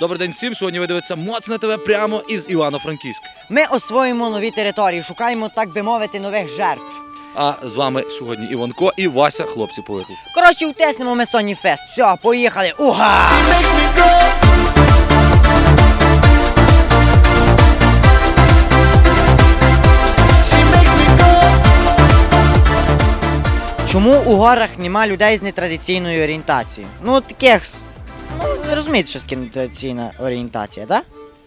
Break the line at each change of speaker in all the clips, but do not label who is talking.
Добрий день всім. Сьогодні ви дивитеся Моцне ТВ прямо із Івано-Франківська.
Ми освоїмо нові території, шукаємо, так би мовити, нових жертв.
А з вами сьогодні Іванко і Вася, хлопці по виклику.
Коротше, утиснемо ми Соні Фест. Все, поїхали. Уга! Чому у горах нема людей з нетрадиційною орієнтацією? Ну, таких, ви розумієте, що таке нетрадиційна орієнтація, так?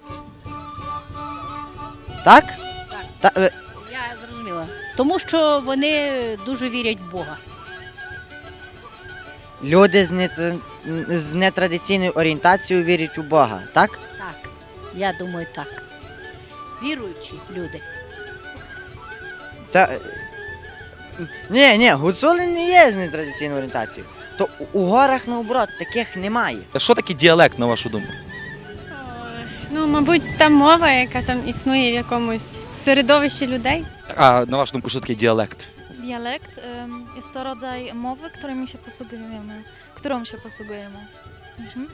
Так?
Так.
Та,
Я зрозуміла. Тому що вони дуже вірять в Бога.
люди з нетрадиційною орієнтацією вірять у Бога, так?
Так, я думаю, так. Віруючі люди.
Це... Ні, гуцули не є з нетрадиційною орієнтацією. То у горах, наоборот, таких немає.
А що таке діалект, на вашу думку?
Ну, мабуть, та мова, яка там існує в якомусь середовищі людей.
А на вашу думку, що таке діалект?
Dialekt jest to rodzaj mowy, którą się posługujemy. Mhm.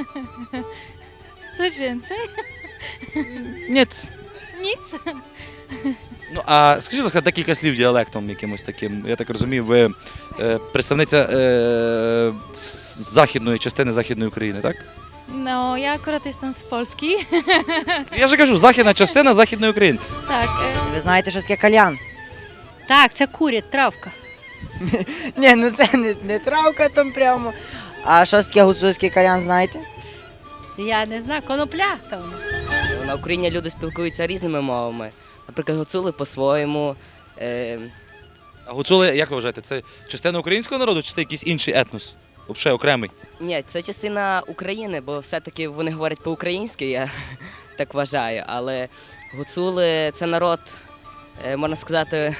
Coś więcej?
Ні.
Nic.
Ну, а скажіть, будь ласка, декілька слів діалектом якимось таким. Я так розумію, ви представниця західної частини Західної України, так?
No, ja akurat jestem z Polski.
Я ж кажу, західна частина Західної України.
Tak.
Ви знаєте, що таке кальян?
Так, це курять, травка.
Ні, ну це не травка там прямо. А що таке гуцульський кальян, знаєте?
Я не знаю, конопля там.
На Україні люди спілкуються різними мовами. Наприклад, гуцули по-своєму.
А гуцули, як ви вважаєте, це частина українського народу чи це якийсь інший етнос? Взагалі окремий?
Ні, це частина України, бо все-таки вони говорять по-українськи, я так вважаю. Але гуцули це народ, можна сказати,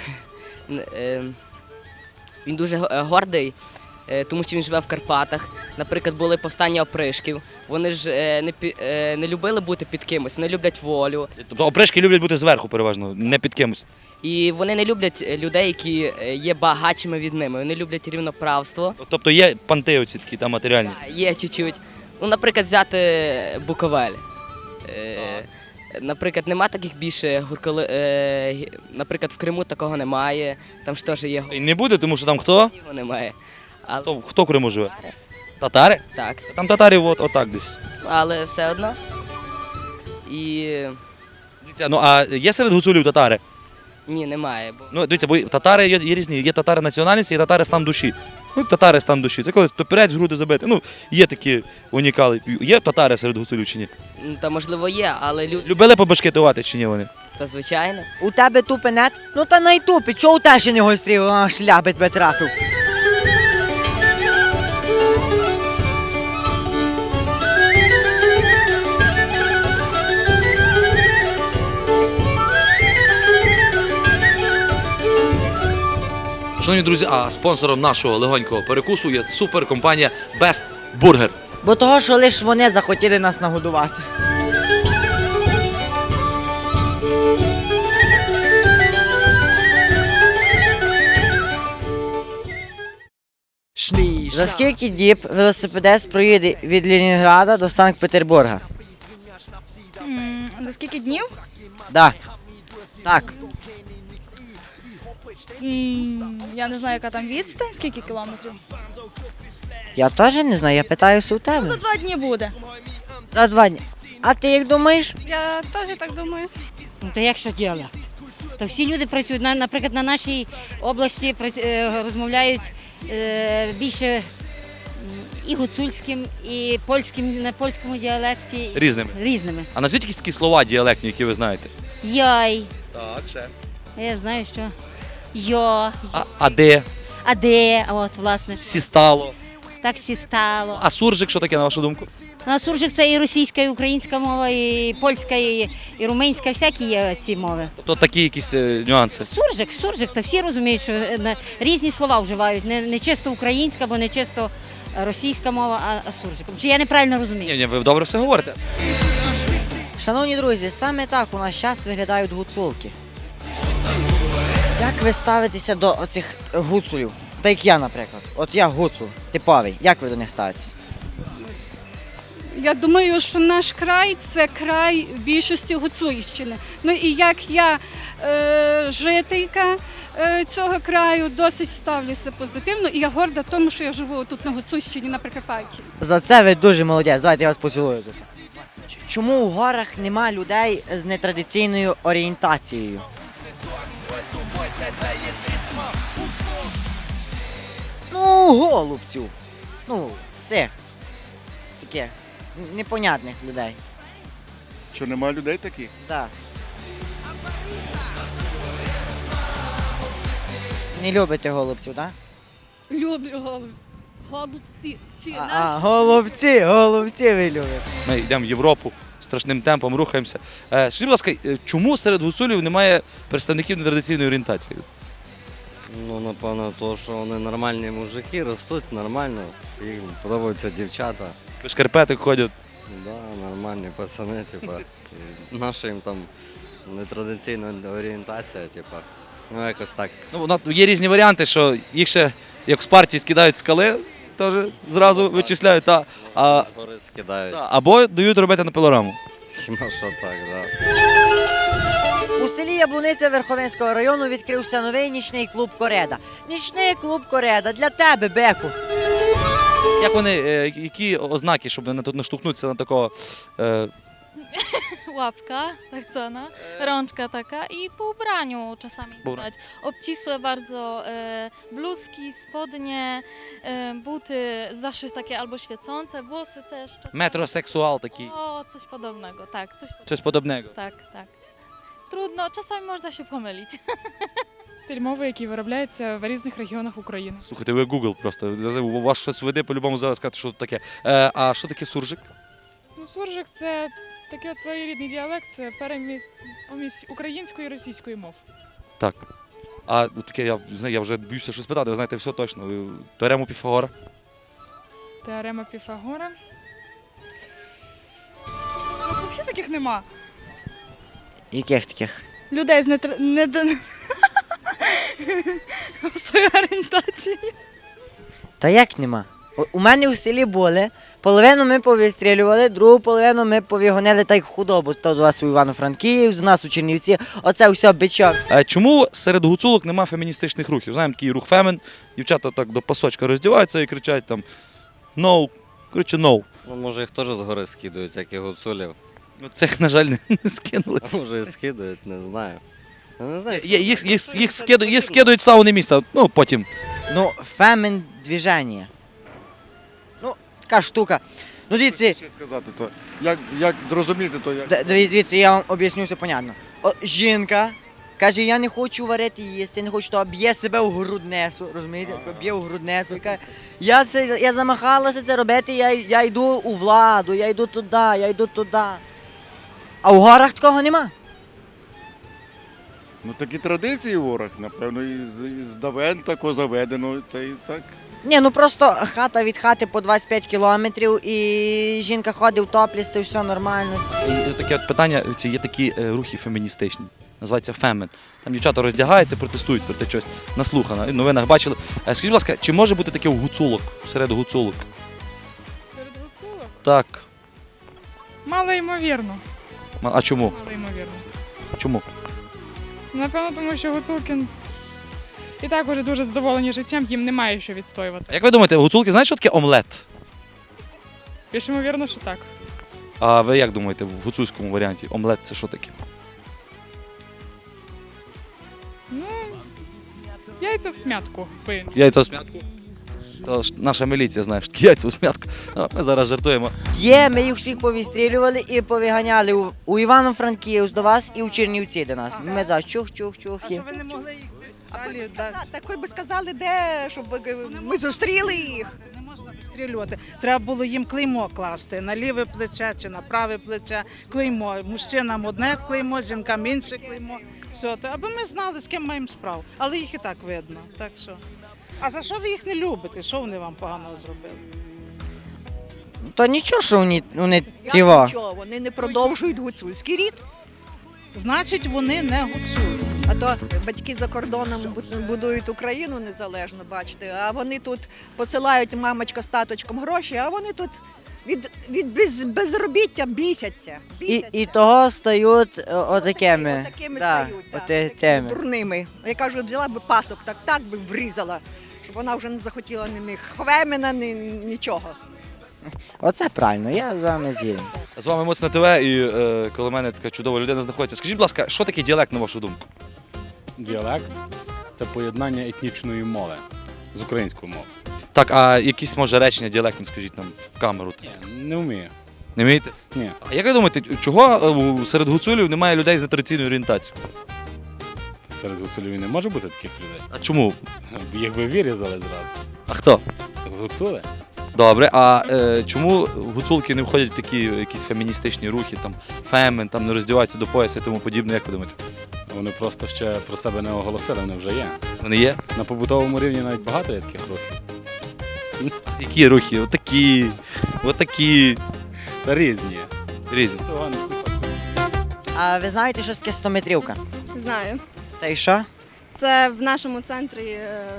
він дуже гордий, тому що він живе в Карпатах. Наприклад, були повстання опришків. Вони ж не любили бути під кимось, вони люблять волю.
Тобто опришки люблять бути зверху переважно, не під кимось.
І вони не люблять людей, які є багатшими від ними. Вони люблять рівноправство.
Тобто є панти оці такі там матеріальні.
Є чуть-чуть. Ну, наприклад, взяти Буковель. Наприклад, нема таких більше наприклад, в Криму такого немає. Там ж теж є
І не буде, тому що там хто?
немає. Але,
Хто в Криму живе? Татари?
так,
Там татарів отак десь.
але все одно. І
Дивіться, ну а є серед гуцулів татари?
ні, немає. Бо
Ну, дивіться, бо татари є різні. Є татари національності, є татари стан душі. Ну, татари стан душі. Це коли топірець в груди забити. Ну, є такі унікали. Є татари серед гуцулів чи ні?
та можливо є, але люди,
Любили побашкетувати чи ні вони?
та звичайно.
У тебе тупенет? Ну та найтупі, чого у тебе ще не гострів, шляби тебе трафив?
Шановні друзі, а спонсором нашого легонького перекусу є суперкомпанія Best Burger.
Бо того, що лише вони захотіли нас нагодувати. За скільки діб велосипедист проїде від Ленінграда до Санкт-Петербурга?
За скільки днів?
Да. Так.
Я не знаю, яка там відстань, скільки кілометрів.
Я теж не знаю, я питаюся у тебе.
За 2 дні буде.
За 2 дні. А ти як думаєш?
Я теж так думаю.
Ну, то як що діалект? То всі люди працюють, наприклад, на нашій області розмовляють більше і гуцульським, і польським, на польському діалекті.
Різними. А назвіть якісь такі слова діалектні, які ви знаєте.
Яй.
Так, ще.
Я знаю, що йо.
А де?
А де? От, власне,
Сістало.
так сі стало.
А суржик, що таке, на вашу думку?
На суржик це і російська, і українська мова, і польська, і румунська, всякі є ці мови.
Тобто такі якісь нюанси.
Суржик, то всі розуміють, що різні слова вживають, не чисто українська, бо не чисто російська мова, а суржиком. Чи я неправильно розумію?
Ні, ви добре все говорите.
Шановні друзі, саме так у нас зараз виглядають гуцулки. Як ви ставитеся до оцих гуцулів? Та як я, наприклад. От я гуцул, типовий. Як ви до них ставитесь?
Я думаю, що наш край це край більшості Гуцульщини. Ну і як я жителька цього краю, досить ставлюся позитивно, і я горда тому, що я живу тут на Гуцульщині, на Прикарпатті.
За це ви дуже молодець. Давайте я вас поцілую. Чому у горах нема людей з нетрадиційною орієнтацією? Ну, голубців. Ну, цих. Таких непонятних людей.
Що нема людей таких?
Так. Не любите голубців, так?
Люблю голубці. Ці
Голубці ви любите.
Ми йдемо в Європу, страшним темпом рухаємося. Скажіть, будь ласка, чому серед гуцулів немає представників нетрадиційної орієнтації?
Ну, напевно, то, що вони нормальні мужики, ростуть нормально, їм подобаються дівчата.
Без шкарпеток ходять.
Да, нормальні пацани, типа. І наша їм там нетрадиційна орієнтація, типа. Ну, якось так.
Ну, є різні варіанти, що їх ще, як в Спарті, скидають з скали, теж зразу вичисляють,
З гори скидають.
або дають робити на пилораму.
Хіба що так, да.
У селі Яблуниця Верховенського району відкрився новий нічний клуб Кореда. Нічний клуб Кореда для тебе, Беку.
Як вони, які ознаки, щоб не наштовхнутися на такого
Łapka, tak zwana, rączka taka i po ubraniu czasami widać. Obcisłe bardzo bluzki, spodnie, buty zawsze takie albo świecące, włosy też czasami.
метросексуал такий,
O, coś podobnego, tak, coś podobnego.
щось подобного?
Tak, tak. Trudno, czasami można się pomylić.
Стиль мови, який виробляється в різних регіонах України.
Слухайте, ви Google просто, у вас щось веде, по-любому зараз сказати, що таке. А що таке суржик?
Ну, суржик – це такий от своєрідний діалект, помість української і російської мов.
Так. А таке, я вже боюся щось питати, ви знаєте все точно. Теорему Піфагора?
Теорема Піфагора. У нас взагалі таких нема.
Яких таких?
Людей з недостойної орієнтації.
Та як нема? У мене в селі були, половину ми повистрілювали, другу половину ми повігонили так худобу. То до вас у Івано-Франківськ, до нас у Чернівці, оце все бичок.
Чому серед гуцулок нема феміністичних рухів? Знаємо, такий рух фемен, дівчата так до пасочка роздіваються і кричать там «No», коротше «No».
Ну, може їх теж з гори скидують, як і гуцулів.
Ну, цих, на жаль, не скинули.
А може і скидають, не знаю. Я не знаю.
Їх скидують в сауни міста, ну потім.
Ну, фемен движення. Ну, така штука. Ну, дивіться,
Що сказати, то як зрозуміти, то як.
дивіться, я вам об'ясню все понятно. Жінка каже, я не хочу варити їсти, я не хочу, то б'є себе в груднесу, розумієте? Б'є в груднесу. Каже, я замахалася це робити, я йду у владу, я йду туди. А в горах такого нема.
Ну такі традиції в горах, напевно, із давен тако заведено, та й так.
Ні, ну просто хата від хати по 25 кілометрів і жінка ходить в топліс, це все нормально.
І таке от питання, є такі рухи феміністичні, називаються фемен. Там дівчата роздягаються, протестують проти чогось. Наслухано, в новинах бачили. Скажіть, будь ласка, чи може бути таке у гуцулок, серед гуцулок?
Серед гуцулок?
Так.
Мало ймовірно.
А чому?
Мало ймовірно.
Чому?
Напевно, тому що гуцулки і так уже дуже задоволені життям, їм немає що відстоювати.
А як ви думаєте, гуцулки знають, що таке омлет?
Більш ймовірно, що так.
А ви як думаєте, в гуцульському варіанті омлет це що таке?
Ну, яйця в смятку.
Яйця в смятку? То ж наша міліція знає, що таке яйця в смятку. Ми зараз жартуємо.
Є, ми їх всіх повістрілювали і повиганяли у Івано-Франківськ до вас і у Чернівці до нас. Ми так, чух-чух-чух.
А що ви не могли їх далі? Так хоч би сказали, де, щоб ми зустріли їх.
Не можна вистрілювати. Треба було їм клеймо класти на ліве плече чи на праве плече. Клеймо. Мужчинам одне клеймо, жінкам інше клеймо. Все, аби ми знали, з ким маємо справу. Але їх і так видно. Так що. А за що ви їх не любите? Що вони вам поганого зробили?
То нічого, що вони тіво.
Нічого, вони не продовжують гуцульський рід.
Значить, вони не гуцули.
А то батьки за кордоном будують Україну незалежно, бачите, а вони тут посилають мамочка з таточком гроші, а вони тут від безробіття бісяться.
І того стають отакими.
Такими
Да,
стають,
теми.
дурними. Я кажу, взяла би пасок, так би врізала, щоб вона вже не захотіла ні хвемена, ні нічого.
Оце правильно, я з вами згідний.
З вами Моцне ТВ і коло мене така чудова людина знаходиться. Скажіть, будь ласка, що таке діалект, на вашу думку?
Діалект це поєднання етнічної мови з українською мовою.
Так, а якісь, може, речення діалектні, скажіть нам в камеру. Так.
Не вмію.
Не вмієте?
Ні.
А як ви думаєте, чого серед гуцулів немає людей за традиційною орієнтацією?
Серед гуцулів не може бути таких людей.
А чому?
Їх би вирізали зразу.
А хто?
Так гуцули?
Добре, а чому гуцулки не входять в такі якісь феміністичні рухи, там фемен, там не роздіваються до пояса і тому подібне, як ви думаєте?
Вони просто ще про себе не оголосили, вони вже є.
Вони є?
На побутовому рівні навіть багато є таких рухів.
Які рухи? Отакі, отакі.
Та різні є.
Різні.
А ви знаєте, що таке 100-метрівка?
Знаю.
Та й що?
Це в нашому центрі.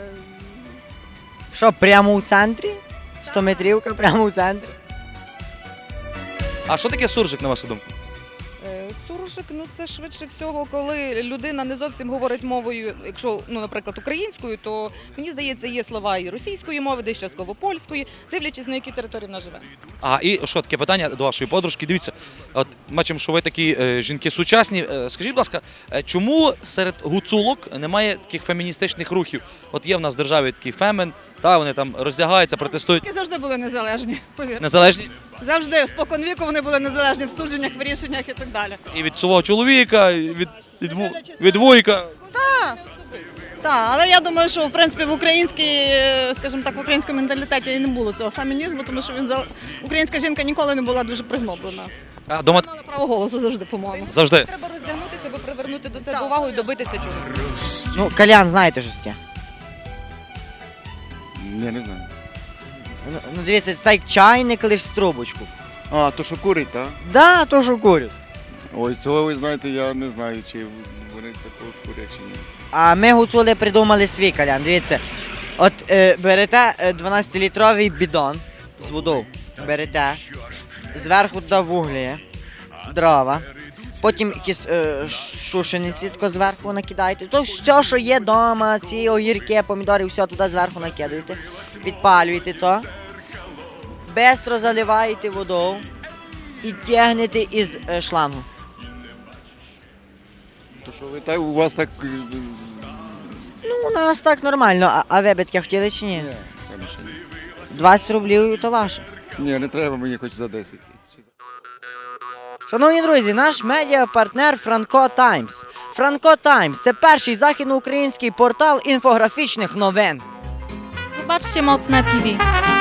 Що, прямо у центрі? 100-метрівка прямо у центрі?
А що таке суржик, на вашу думку?
Суржик, це швидше всього, коли людина не зовсім говорить мовою, якщо, наприклад, українською, то, мені здається, є слова і російської мови, десь частково польської, дивлячись, на якій території вона живе.
А і що таке питання до вашої подружки? Дивіться, от бачимо, що ви такі жінки сучасні. Скажіть, будь ласка, чому серед гуцулок немає таких феміністичних рухів? От є в нас в державі такий фемен, та вони там роздягаються, протестують.
Вони завжди були незалежні, повірте.
Незалежні?
Завжди, спокон віку вони були незалежні в судженнях, в рішеннях і так далі.
І від свого чоловіка, і від вуйка.
Так, але я думаю, що в принципі в скажімо так, в українському менталітеті і не було цього фемінізму, тому що українська жінка ніколи не була дуже пригноблена.
А дома
мала право голосу завжди, по-моєму.
Завжди.
Треба роздягнутися, аби привернути до себе увагу і добитися чогось.
Ну, кальян, знаєте, що таке?
Я не знаю.
Ну, дивіться, це так чайник, лиш з трубочку.
А, то що курить, так?
Да, то що курять.
Ой, цього ви знаєте, я не знаю, чи вони такого курять чи ні.
А ми гуцули придумали свій кальян. Дивіться, от берете 12-літровий бідон з водою, берете, зверху туди вуглі, дрова, потім якісь шушениці тако зверху накидаєте. То все, що є вдома, ці огірки, помідори, все туди зверху накидаєте, підпалюєте то, бистро заливаєте водою і тягнете із шлангу.
То що ви так, у вас так...
Ну, у нас так нормально, а ви б таке хотіли чи ні?
Ні, конечно, ні.
20 рублів то ваше.
Ні, не треба мені хоч за 10.
Шановні друзі, наш медіапартнер Франко Таймс. Франко Таймс – це перший західноукраїнський портал інфографічних новин.
Zobaczcie Mocne TV.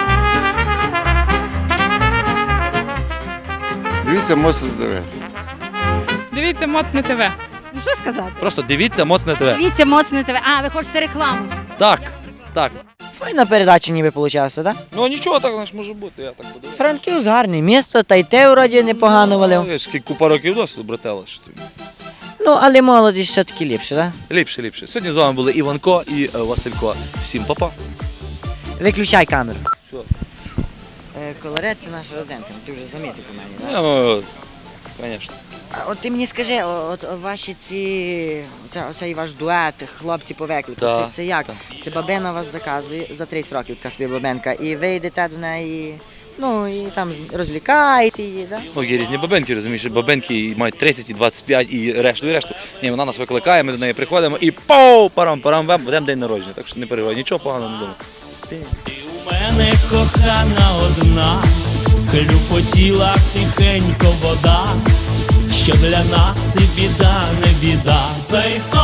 Дивіться, Моцне ТВ.
Дивіться Моцне ТВ.
Ну що сказати?
Просто дивіться Моцне ТВ.
Дивіться Моцне ТВ. А, ви хочете рекламу?
Так, так.
Файна передача ніби вийшла, так?
Ну нічого так може бути, я так буду.
Франківськ гарне місто, та й те вроді непогано валив.
Скільки купа років досвіду, брателло.
Ну, але молодість все-таки ліпше, так?
Ліпше, ліпше. Сьогодні з вами були Іванко і Василько. Всім па-па.
Виключай камеру.
Що?
Колорет – це наша родзинка, ти вже замітив у мене, так?
Ну, звісно.
От ти мені скажи, от ваші оцей ваш дует, хлопці по виклику,
Так,
це як?
так.
Це бабина вас заказує за 30 років, така собі бабенка, і ви йдете до неї, ну, і там розвлікаєте її, так?
Ну, є різні бабенки, розумієш, бабенки мають 30, і 25, і решту, і решту. Ні, вона нас викликає, ми до неї приходимо і пау, парам-парам, будемо день народження. Так що не переживай, нічого поганого не думаю.
Ти у мене кохана одна, хлюпотіла тихенько вода, що для нас і біда, не біда. Цей